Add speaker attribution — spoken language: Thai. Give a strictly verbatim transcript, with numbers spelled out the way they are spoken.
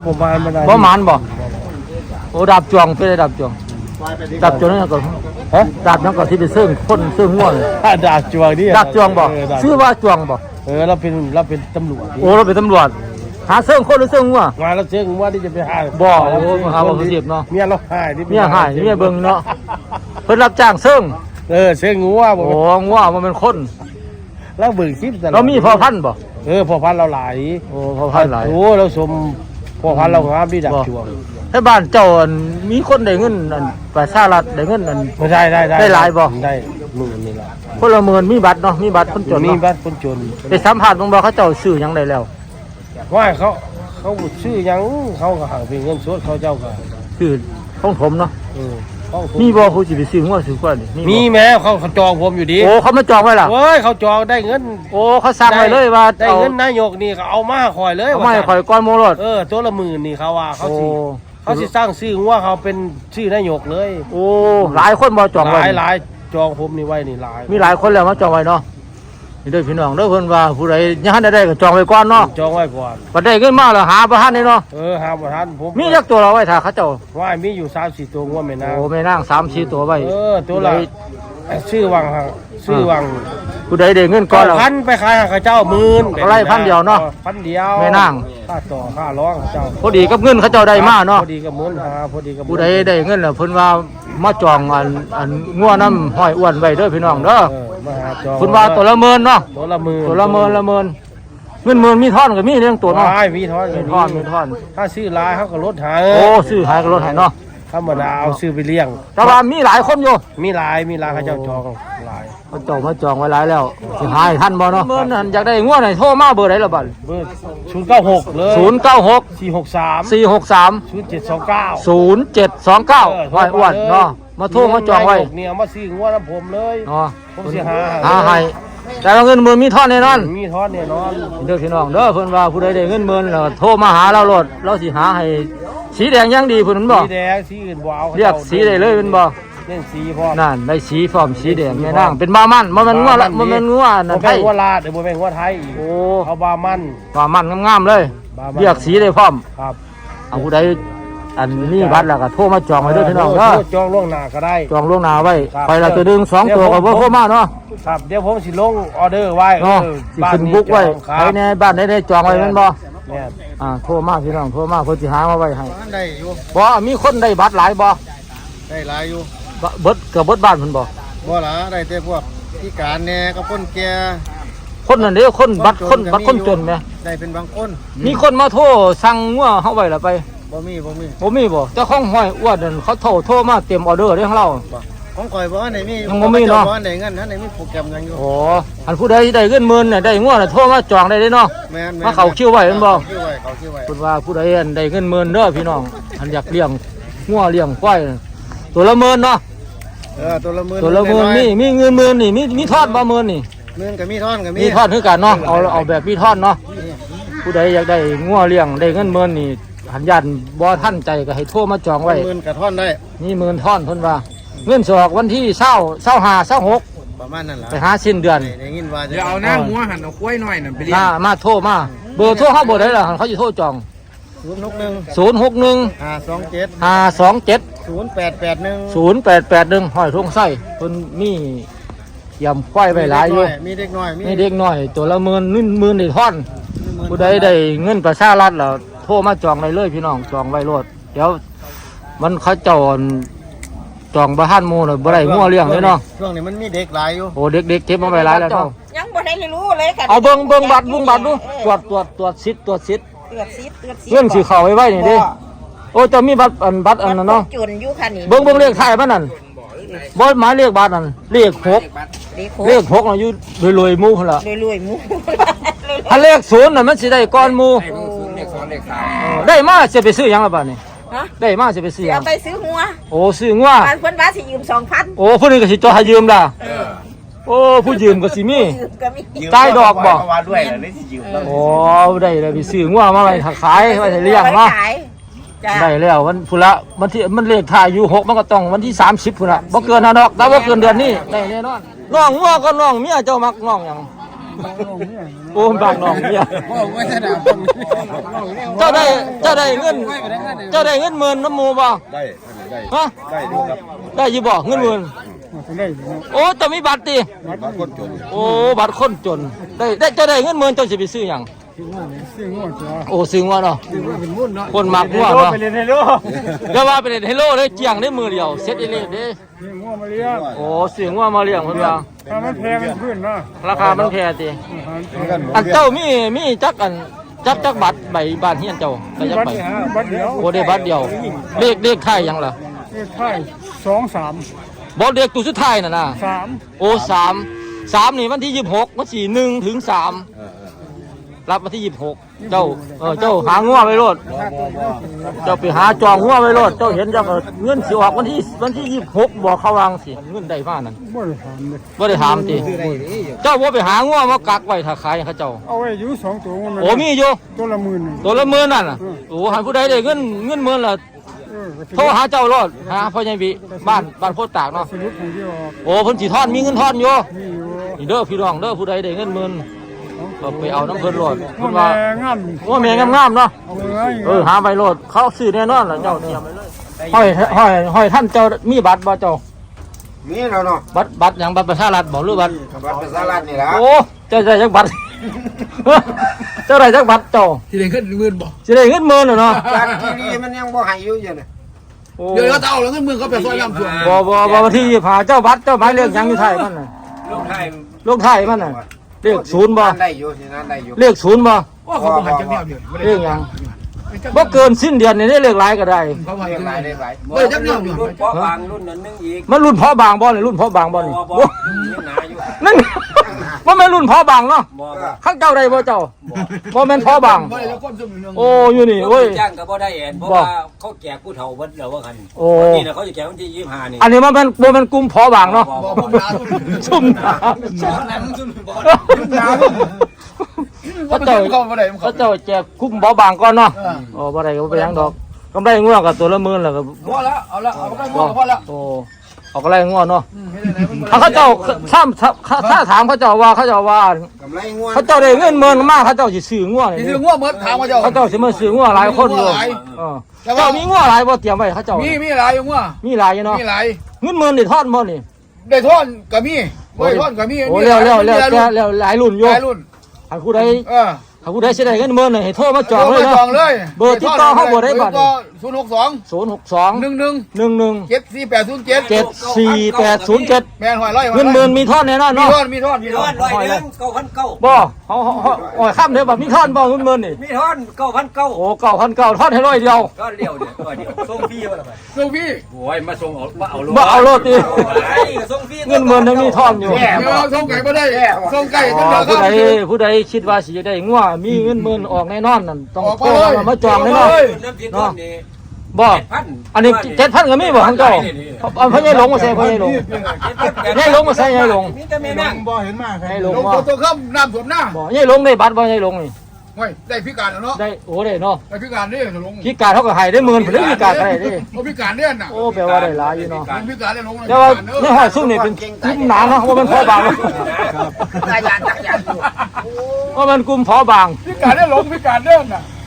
Speaker 1: ผมมาไม่ได้
Speaker 2: บ่หมานบ่โอ้ดาบจวงเป็นดาบจวงดาบจวงนั่นก็ฮะดาบนั่นก็ที่ไปซึ่งคนซึ่งง่วง
Speaker 1: ดาบจวงนี่
Speaker 2: ดาบจวงบ่ชื่อว่าจวงบ่
Speaker 1: เออเราเป็นเราเป็นตำรวจ
Speaker 2: โอ้เราเป็นตำรวจหาซึ่งคนหรือซึ่งง่วง
Speaker 1: มาเราเชื่อว่าที่จะไปหา
Speaker 2: บ่โอ้หาบ่เสียบเนาะ
Speaker 1: เมียเราหาย
Speaker 2: เมียหายเมียเบิ่งเนาะเพิ่นรับจ้างซึ่ง
Speaker 1: เออเชื่องัวบ่
Speaker 2: โอ้ง่วงมันเป็นคน
Speaker 1: เราเบิ่งคลิป
Speaker 2: เรามีพ่อพันธุ์บ่
Speaker 1: เออพ่อพันธุ์เราหลาย
Speaker 2: โอ้พ่อพันธุ์หลาย
Speaker 1: โอ้เราสมพ่อพันธุ์เราครับที่ดาบจวง
Speaker 2: ให้บ้านเจ้ามีคนได้เงินอันประชารัฐได้เงินอัน
Speaker 1: ไม่ได้ได้ได้
Speaker 2: ได้หลายบ่
Speaker 1: ได้หมื่นนี่ละ
Speaker 2: คนละหมื่นมีบัตรเนาะมีบัตรคนจน
Speaker 1: มี
Speaker 2: เนาะ
Speaker 1: บ้านคนจน
Speaker 2: ไปสัมภาษณ์บางบ่เขาเจ้าซื้อหยังได้แล้ว
Speaker 1: ว่าเขาเขาชื่อยังเขาก็หาเป็นเงินสดเขาเจ้าก็
Speaker 2: คือของผมเนาะ
Speaker 1: เออเขา
Speaker 2: มีบ่ผู้สิไปซื้องัวซื้อกล้วยนี่
Speaker 1: มีแม้เขาเขาจองผมอยู่ดี
Speaker 2: โอ้เขามาจองไว้ล่ะ
Speaker 1: เฮ้ยเขาจองได้เงิน
Speaker 2: โอ้เขาสั่งไว้เลยว่า
Speaker 1: ได้
Speaker 2: เอา
Speaker 1: เงินนายกนี่เขาเอามาคอยเลย
Speaker 2: เอาไม่ข่อยก้อนโมรด
Speaker 1: เออตัวละหมื่นนี่เขาว่าเขา
Speaker 2: โอ้
Speaker 1: สิเขาสิสร้างชื่อว่าเขาเป็นชื่อนายกเลย
Speaker 2: โอ้หลายคนบ่จอง
Speaker 1: ห
Speaker 2: ไว้
Speaker 1: ลายหลายจองผมนี่ไว้นี่หลาย
Speaker 2: มีหลายคนแล้วมาจองไว้เนาะนี่เด้อพี่น้องเด้อเพิ่นว่าผู้ใดยังทันได้ได้ก็จองไว้ก่อนเนาะ
Speaker 1: จองไว้ก่อน
Speaker 2: บัดได้เงินมาแล้วหาบ่ทันได้เนาะ
Speaker 1: เออหาบ่ทันผม
Speaker 2: มีจักตัวเราไว้ถ้าเขาเจ้า
Speaker 1: ว่ามีอยู่สามสี่ตัวงัวแม่นาง
Speaker 2: โอ้แม่นางสามสี่ตัวไว้
Speaker 1: เออตัวละชื่อวังฮะชื่อวัง
Speaker 2: ผู้ใดได้เงินก่อนแล้ว
Speaker 1: พันไปขายให้เขาเจ้าหมื่น
Speaker 2: เอาไล่พันเดียวเนาะ
Speaker 1: พันเดียว
Speaker 2: แม่นาง
Speaker 1: ค่าต่อค่าร้องเขาเจ้า
Speaker 2: พอดีกับเงินเขาเจ้าได้มาเนาะ
Speaker 1: พอดีกับหมื่นหาพอดีกับหมื่น
Speaker 2: ผู้ใดได้เงินแล้วเพิ่นว่ามาจองอันอันงัวน้ำห้อยอ้วนไว้เด้อพี่น้องเด้อ
Speaker 1: เออมาหาจอง
Speaker 2: เพิ่นว่าตัวละหมื่นเนาะ
Speaker 1: ตัวละหมื่น
Speaker 2: ตัวละหมื่นละหมื่นเงินหมื่นมีท่อนก็มีเรื่องตัวเนาะ
Speaker 1: ว้ายมีทอน
Speaker 2: มี
Speaker 1: ก็
Speaker 2: ท่อนมีท่อน
Speaker 1: ถ้าซื้อหลายเขาก็ลดหา
Speaker 2: โอ้ซื้อหายก็ลดให้เนาะ
Speaker 1: ธรรมดาเอาซื้อไปเลี้ยง
Speaker 2: แต่ว่ามีหลายคนอยู่
Speaker 1: มีหลายมีหลายเขาเจ้าจองหลาย
Speaker 2: มาจองมาจองไว้หลายแล้วสิหายทันบ่เนาะเมื่อนั้นอยากได้งัวไหนโทรมาเบอร์ไหนล่ะบัด
Speaker 1: เบอร์ศูนย์เก้าหกเลย
Speaker 2: ศูนย์เก้าหก
Speaker 1: สี่หกสาม
Speaker 2: สี่หกสาม
Speaker 1: ศูนย์เจ็ดสองเก้า
Speaker 2: ศูนย์เจ็ดสองเก้าห้อยอ้วนเนาะมาโทรมาจองไว้
Speaker 1: เนี่ยเอามาซื้องัวน้ำผมเลย
Speaker 2: เนาะ
Speaker 1: ผมสิหา
Speaker 2: หาให้แต่ว่าเงินหมื่นมีท่อนแน่นอน
Speaker 1: มีทอนเนี่ยนอน
Speaker 2: เด้อพี่น้องเด้อเพิ่นว่าผู้ใดได้เงินหมื่นแล้วโทรมาหาเราโลดเราสิหาให้สีแดงยังดีเพิ่นบ่
Speaker 1: สีแดงสีอื่นบ่เอา
Speaker 2: เรียกสีได้เลยเพิ่นบ่
Speaker 1: เล่นสีพร้อม
Speaker 2: นั่นได้สีพร้อมสีแดงแม่นางเป็นบามันบ่แม่นงัวละบ่แม่นงัวนั่นไท
Speaker 1: ไทย
Speaker 2: ย
Speaker 1: งัวลาดเดี๋ยวบ่แม่นงัวไทยอีก
Speaker 2: โอ้
Speaker 1: เขาบามัน
Speaker 2: บามันงามๆเลย
Speaker 1: บามัน
Speaker 2: เรียกสีได้พร้อม
Speaker 1: ครับ
Speaker 2: เอาผู้ใดอันนี้บัตรแล้วก็โทรมาจองไว้เด้อพี่น้องเด้อ
Speaker 1: จองล่วงหน้าก็ได้
Speaker 2: จองล่วงหน้าไว้
Speaker 1: ครับ
Speaker 2: ไปละตัวหนึงสองตัวก็บ่โทรมาเนาะ
Speaker 1: ครับเดี๋ยวผมสิลงออเดอร์ไว้
Speaker 2: เนาะ
Speaker 1: เออ
Speaker 2: สิขึ้นบุ๊กไว้
Speaker 1: ครั
Speaker 2: ใคร
Speaker 1: บ
Speaker 2: ในบ้านได้จองไว้แม่นบ่
Speaker 1: แม่น
Speaker 2: อ่าโทรมาพี่น้องโทรมาเพิ่นสิหามาไว้ให้
Speaker 3: ได้อยู่
Speaker 2: บ่มีคนได้บัตรหลายบ่
Speaker 3: ได้หลายอยู่
Speaker 2: บเบิดเกือบเบิดบ้านเพิ่นบ่
Speaker 3: บ่ล่ะได้แต่พวกพิการแหน่กับคนแก่
Speaker 2: คนนั่นเด้อคนบัตรคนบัตรคนจนแหม
Speaker 3: ได้เป็นบางคน
Speaker 2: มีคนมาโทรสั่งงัวเฮาไว้แล้วไป
Speaker 3: บ่มีบ่มี
Speaker 2: บ่มีบ่เจ้าของห้อยอ้วนนั่นเขาโทรโทรมาเต็มออเดอร์เด้ของเรา
Speaker 3: บ่ของข่อยบ่อันไหนมี
Speaker 2: ยังบ่มีเนาะ
Speaker 3: บ่อันไหนเงินอันไหนมีโปรแกรมยังอยู่
Speaker 2: โอ้อันผู้ใดได้เงินหมื่นน่ะได้งัวน่ะโทรมาจองได้เด้เนาะ
Speaker 3: แม่น
Speaker 2: มาเข้าคิวไว้แม่นบ่
Speaker 3: เข้าคิวไว้เข้าคิวไว้
Speaker 2: คุณว่าผู้ใดอันได้เงินหมื่นเด้อพี่น้องอันอยากเลี้ยงงัวเลี้ยงควายน่ะตัวละหมื่นเนาะ
Speaker 3: เออตัวละหมื่น
Speaker 2: ตัวละหมื่นมีมีเงินหมื่นนี่มีมีทอดบ่หมื่นนี่
Speaker 3: หมื่นก็มีท่อนก็มี
Speaker 2: มีทอดคือกันเนาะเอาเอาแบบมีทอดเนาะผู้ใดอยากได้งัวเลี้ยงได้เงินหมื่นนี่หันยันบ่ทันใจก็ให้โทรมาจองไว้
Speaker 3: หมื่นกับท่อนได้
Speaker 2: นี่หมื่นท่อนเพิ่นว่าเงินสออกวันที่เช้าเช้าห้าเช้าหก
Speaker 3: ประมาณนั้นล่ะ
Speaker 2: ไปหาสิ้นเดือน
Speaker 3: ได้ยินว่าจะ
Speaker 4: เดี๋ยวเอาหน้าหัวหันเอากล้วยหน่อยน่ะไปเลี้ย
Speaker 2: มาง มาโทรมาเบอร์โทรเขาเบอร์ใดล่ะเขาสิโทรจอง
Speaker 3: ศูนย์หกหนึ่ง
Speaker 2: ศูนย์หกหนึ่ง
Speaker 3: ห้าสองเจ็ด
Speaker 2: ห้าสองเจ็ด
Speaker 3: ศูนย์แปดแปดหนึ่ง
Speaker 2: ศูนย์แปดแปดหนึ่งห้อยทุ่งไส้เพิ่นมียำควายไว้หลายอยู่
Speaker 3: มีเด็กน้อยมี
Speaker 2: นี่เด็กน้อยตัวละหมื่นนึ่นหมื่นในท่อน
Speaker 3: หมื่น
Speaker 2: ผู้ใดได้เงินประชารัฐแล้วโทรมาจองได้เลยพี่น้องจองไว้โลดเดี๋ยวมันเขาเจ้าจองบ่ทันหมู่น่ะบ่ได้งัวเลี้ยงเลยเนาะ
Speaker 3: ช่วงนี้มันมีเด็กหลายอยู่
Speaker 2: โอ้เด็กๆเก็บมาไว้หลายแล้วเนาะ
Speaker 5: ยังบ่ได้รู้เลยค่ะ
Speaker 2: เอาเบิ่งเบิ่งบัตรเบิ่งบัตรดูตรวจตรวจตรวจสิทธิ์ตรวจสิทธิ์
Speaker 5: เตือนซิเตือนซิ
Speaker 2: เงินสิเข้าไว้ไว้นี่เด้โอ้เจะมีบัตรอันบัตรอันนั้นเนาะ
Speaker 5: จุนอยู่ค่ะนี่
Speaker 2: เบิ่งเบิ่งเลขท้ายมันนั่นบ่หมายเลขบัตรนั่นเลขหก
Speaker 5: เลข
Speaker 2: เลขหกน่ะอยู่รวยๆหมู่พุ่นล่ะ
Speaker 5: รวยๆหมู
Speaker 2: ถ้าเลขศูนย์น่ะมันสิได้ก่อนหมู่
Speaker 4: เลขสองเลขสาม
Speaker 2: ได้มาสิไปซื้อหยังล่ะบัดนี้
Speaker 5: ฮะ
Speaker 2: ได้มาสิไปซื้อหยั
Speaker 5: เอา
Speaker 2: ง
Speaker 5: ไปซื้อหัว
Speaker 2: โอ้ซื้องัว
Speaker 5: บ้านเพิ่นว่าสิยืมสองพัน
Speaker 2: โอ้ผู้นี้ก็สิจ่อให้ยืมล่ะโอ้ผู้ยืมก็สิมี
Speaker 5: ยืมก็มี
Speaker 2: จ่ายดอกบ่
Speaker 4: มาด้วยเหรอนี่สิยืมแล้ว
Speaker 2: โอ้ได้เลยไปซื้องัวมาไว้ขายไว้ให้เลี้ยงเนาะ
Speaker 5: ขายจ้ะ
Speaker 2: ได้แล้ววันพุละวันที่มันเลขท้ายอยู่หกมันก็ต้องวันที่สามสิบพุ่นละบ่เกินนะดอกแต่ว่าเกินเดือนนี้ได้แน่นอนน้องงัวก็น้องเมียเจ้ามักน้องหยังโอ้บางน้องเนี่ย
Speaker 3: บอกว่าจะด่าคน
Speaker 2: เจ้าได้เจ้าได้เงินเจ้าได้เงินหมื่นน้ำหมูบ่
Speaker 3: ได้ได้
Speaker 2: ฮะ
Speaker 3: ได้ดูครับ
Speaker 2: ได้อยี่บ่เงินหมื่นโอ้แต่มีบัตรติ
Speaker 3: บางคนจน
Speaker 2: โอ้บัตรคนจนได้ได้เจ้าได้เงินหมื่นเจ้าสิไปซื้อหยังโอ้ซื้องัวเนาะคนมักงัวเนาะ
Speaker 1: ไปเรียนให้รู้
Speaker 2: อย่าว่าไปเล่นไฮโลเลยเจียงได้มือเดียวเซ็ตอีเล่เด้
Speaker 1: งัวมาเลี้ยง
Speaker 2: โอ้ซื้องัวมาเลี้ยงเพิ่นว่า
Speaker 1: ถ้ามันแพงมันขึ้นเนาะ
Speaker 2: ราคามันแพงติอันเจ้ามีมีจักอันจักจักบัตรใบบ้านเฮียนเจ้าได้จัก
Speaker 1: บัต
Speaker 2: ใบ
Speaker 1: รฮะบัตรเดียว
Speaker 2: โอ้ได้บัตรเดียวเลขเลขไทายหยังล่ะ
Speaker 1: เลขท้ายสองสาม
Speaker 2: บ่เลขตัวสุดท้ายน่ะนะ
Speaker 1: สาม
Speaker 2: โอ้สามสามนี่วันที่ยี่สิบหกวันที่หนึ่งถึงสามรับวันที่ยี่สิบหกเจ้าเออเจ้าหางัวไปโลดเจ้าไปหาจองงัวไปโลดเจ้าเห็นเจ้าก็เงินสิออกวันที่วันที่ยี่สิบหกบอกเขาวางสิเงินได้มานั่น
Speaker 1: บ่ได้ถามเลย
Speaker 2: บ่ได้ถามติเจ้าบ่ไปหางัวมากักไว้ถ้าขายให้เขาเจ้า
Speaker 1: เอาไว้อยู่สองตัวมัน
Speaker 2: โอ้มีอยู่
Speaker 1: ตัวละหมื่น
Speaker 2: ตัวละหมื่นนั่นน่ะโอ้หันผู้ใดได้เงินเงินหมื่นละ
Speaker 1: เออ
Speaker 2: โทรหาเจ้าโลดหาพ่อใหญ่บิบ้านบ้านโพธิ์ตากเนาะ
Speaker 1: สรุปของที่ออก
Speaker 2: โอ้เพิ่นสิทอนมีเงินทอนอยู่
Speaker 1: มีอยู่
Speaker 2: นี่เด้อพี่น้องเด้อผู้ใดได้เงินหมื่นก็ไปเอาน้ำเพิ่นโลด
Speaker 1: งั
Speaker 2: เพิ่
Speaker 1: วน แม่
Speaker 2: ว่า
Speaker 1: งาม
Speaker 2: ว่าแม่งามๆเนาะ
Speaker 1: เอาไว้
Speaker 2: เออหาใบโลดเขาซื้อแน่นอนล่ะเจ้าเตรียมไว้เลยห้อยห้อยห้อยท่านเจ้ามีบัตรบ่เจ้า
Speaker 3: มีแล้วเนาะ
Speaker 2: บัตรบัตรหยังบัตรประชารัฐบ่หรือบัตร
Speaker 3: บัตรประชารัฐนี่ละ
Speaker 2: โอ้เจ้าได้จักบัตร เจ้าได้จักบัตรเจ้า
Speaker 4: ที่ได้ขึ้นหมื่นบ่
Speaker 2: สิได้เงินหมื่นน่ะเนาะ
Speaker 3: จากที่นี่มันยังบ่ให้อยู่อยู่เนี่ย
Speaker 2: โอ้
Speaker 4: เดี๋ยวเขาเอาแล้วเงินหมื่นเขาไปซอยลำส่วน
Speaker 2: บ่บ่บ่วันที่ยี่สิบห้าเจ้าบัตรเจ้าหมายเลขหยังอยู่ไทยมันน่ะ
Speaker 3: ลูกไทย
Speaker 2: ลงไทยมันน่ะเลขศูนย์บ่
Speaker 3: ได้อยู่ที่นั่นได้อยู่
Speaker 2: เลขศูนย์บ่
Speaker 4: โอ้เขาบอกให้จังแนวเดียว
Speaker 2: เลขหยังบ่เกินสิ้นเดือนนี่ได้เลขหลายก็ได้
Speaker 4: เขาบอก
Speaker 3: เรีย
Speaker 4: จั
Speaker 3: ก
Speaker 4: ง
Speaker 3: ห
Speaker 4: แน
Speaker 3: ลายว
Speaker 4: เดี
Speaker 3: เรี
Speaker 4: ย
Speaker 3: ยว กหลาย
Speaker 4: เฮ้ยจังแนวเดียว
Speaker 6: รุ่นเพาะบางรุ่นนั้นนึงอีก
Speaker 2: มันรุ่นเพาะบางบ่นี่รุ่นเพาะบางบ่นี่
Speaker 6: บ่บ่
Speaker 2: โอ้
Speaker 6: หนาอยู่
Speaker 2: นั่น บ่แม่นรุ่นเพาะบางเนาะ
Speaker 6: บ่บ่
Speaker 2: ข้างเจ้าได้บ่เจ้าบ่แม่นเพาะบาง
Speaker 4: บ่ได้แล้วความสมเรื่อง
Speaker 2: โอ้อยู่นี่
Speaker 6: ร
Speaker 2: โอ้ย
Speaker 6: ถจ้างก็บ่ได้แอนเพราะ
Speaker 2: บ่
Speaker 6: ว่าเขาแจกผู้เฒ่าเบิดแล้วว่าคัน
Speaker 2: โอ้
Speaker 6: นี่น่ะเขาจะแจกวันที่ยี่สิบห้านี่
Speaker 2: อันนี้มันเป็นบ่แม่นกลุ่มเพาะบางเนาะ
Speaker 6: บ่
Speaker 4: บอก
Speaker 6: บ่
Speaker 4: ผมด่าทุก
Speaker 2: ซุ่มหนา
Speaker 6: นั้นซุ่มบ่
Speaker 2: เขาเจ้า
Speaker 4: เขาบ่ได้
Speaker 2: เขาเจ้าแจกกลุ่มเพาะบางก่อนเนาะโอ้บ่ได้ก็บ่ไปหยังดอกกำไรงัวก็ตัวละหมื่นแล้วก็
Speaker 4: พอแล้วเอาละเอาไปพอแล้ว
Speaker 2: โอ้เอากำไรงัวเนาะ
Speaker 4: เฮ็ดได้ไหนมัน
Speaker 2: ถ้าเขาเจ้าถ้าถ้าถ้าถามเขาเจ้าว่าเขาเจ้าว่า
Speaker 3: กำไรงัว
Speaker 2: เขาเจ้าได้เงินหมื่นมากเขาเจ้าสิซื้องัว
Speaker 4: สิ
Speaker 2: นี่
Speaker 4: ซื้องัวหมดถามว่าเจ้า
Speaker 2: เขาเจ้าสิมาซื้องัวหลายคนอยู่เออเจ้ามีงัวหลายบ่เตรียมไว้เขาเจ้า
Speaker 4: มีมีหลายอยู่งัว
Speaker 2: มีหลายอยู่เนาะ
Speaker 4: มีหลาย
Speaker 2: เงินหมื่นนี่ทอดบ่นี่
Speaker 4: ได้ทอนก็มีบ่ได้ทอนก็มี
Speaker 2: โอ้เร็วเร็วเร็วเร็วเร็วหลายรุ่นอยู่
Speaker 4: หลายรุ่น
Speaker 2: ถ้าผู้ใด
Speaker 4: เออ
Speaker 2: ถ้าผู้ใดสิได้เงินหมื่นนี่ให้โทรมาจองเลย
Speaker 4: จ
Speaker 2: เนาะ
Speaker 4: องเลย
Speaker 2: เบอร์ติดต่อเขาบ่ได้บัด
Speaker 4: ศูนย์หกสอง
Speaker 2: ศูนย์ หก สอง
Speaker 4: หนึ่งหนึ่ง
Speaker 2: หนึ่ง หนึ่ง
Speaker 4: เจ็ดสี่แปดศูนย์เจ็ด
Speaker 2: เจ็ด สี่ แปด ศูนย์ เจ็ด
Speaker 4: แม่นหอยร้อย
Speaker 2: เงินหมื่นมีทอดแน่นอน
Speaker 4: มี
Speaker 2: เนาะ
Speaker 4: ทอนมีทอนมี
Speaker 6: มี
Speaker 4: ท
Speaker 6: ท
Speaker 4: อ
Speaker 6: อน นร้อยหนึงเก้าพันเก้า
Speaker 2: บ่เฮาเฮาเฮาโอ้ยข้ามเด้อบ่มีทอดบ่เงินหมื่นนี่
Speaker 6: มีทอนเก้าพันเก้า
Speaker 2: โอ้เก้าพันเก้าทอดให้ร้อยเดียว
Speaker 6: ก็เดียวเนี่ยตัวเดียวส่งฟรีว่าล่ะบัด
Speaker 4: ลูกพี่
Speaker 6: โอ้ยมาส่งเอามาเอาโล
Speaker 2: บ่เอาโลดติ
Speaker 6: ไอ้ส่งฟรี
Speaker 2: เงินหมื่นยังมีทอนอยู่
Speaker 4: เดี๋ยวส่งไก่บ่ได้ส่งไก่
Speaker 2: อ๋
Speaker 4: ต้
Speaker 2: อ
Speaker 4: องเดือ
Speaker 2: ผู้ใด
Speaker 4: ด
Speaker 2: ผู้ใดคิดว่าสิจะได้งัวมีเงินหมื่นออกแน่นอนนั่นต้อง
Speaker 4: ออก
Speaker 2: โท
Speaker 4: มาร เลย
Speaker 2: มามาจองแน่นอน
Speaker 4: ออกมาเลย
Speaker 6: น้ำพริกทอดนี่
Speaker 2: บ่
Speaker 6: เจ็ดพัน
Speaker 2: อันนี้เจ็ดพันก็มีบ่ของเจ้าเอาพ่อใหญ่หลงมาใส่พ่อใหญ่หลงใหญ่หลงมาใส่ใหญ่หลง
Speaker 6: มีแต่แม่นั่ง
Speaker 3: บ่เห็นมาก
Speaker 2: ใหญ่หลง
Speaker 4: ลง
Speaker 2: บ่
Speaker 4: ตัวข้ามน้ำท่วมหน้า
Speaker 2: บ่ใหญ่หลงได้บัตรบ่ใหญ่หลงนี่
Speaker 4: เฮ้ยได้พิการแล้วเนาะ
Speaker 2: ได้โอ้ได้เนาะ
Speaker 4: ได้พิการเนี่ยลง
Speaker 2: พิการเขาก็ให้ได้หมื่นเพิ่นได้พิการก็ได้เด้
Speaker 4: โอ้พิการเนี่ยน่ะ
Speaker 2: โอ้แปลว่าได้หลายอยู่เนาะ
Speaker 4: พิการเนี่ยลง
Speaker 2: แต่ว่าในห้อยซุ่มนี่เป็นกลุ่มหนาเนาะว่ามันพอบางเนาะ
Speaker 3: ตายยานจักรยานอยู่
Speaker 2: ว่ามันกลุ่มพอบาง
Speaker 4: พิการเนี่ยลงพิการเนี่ยน่ะ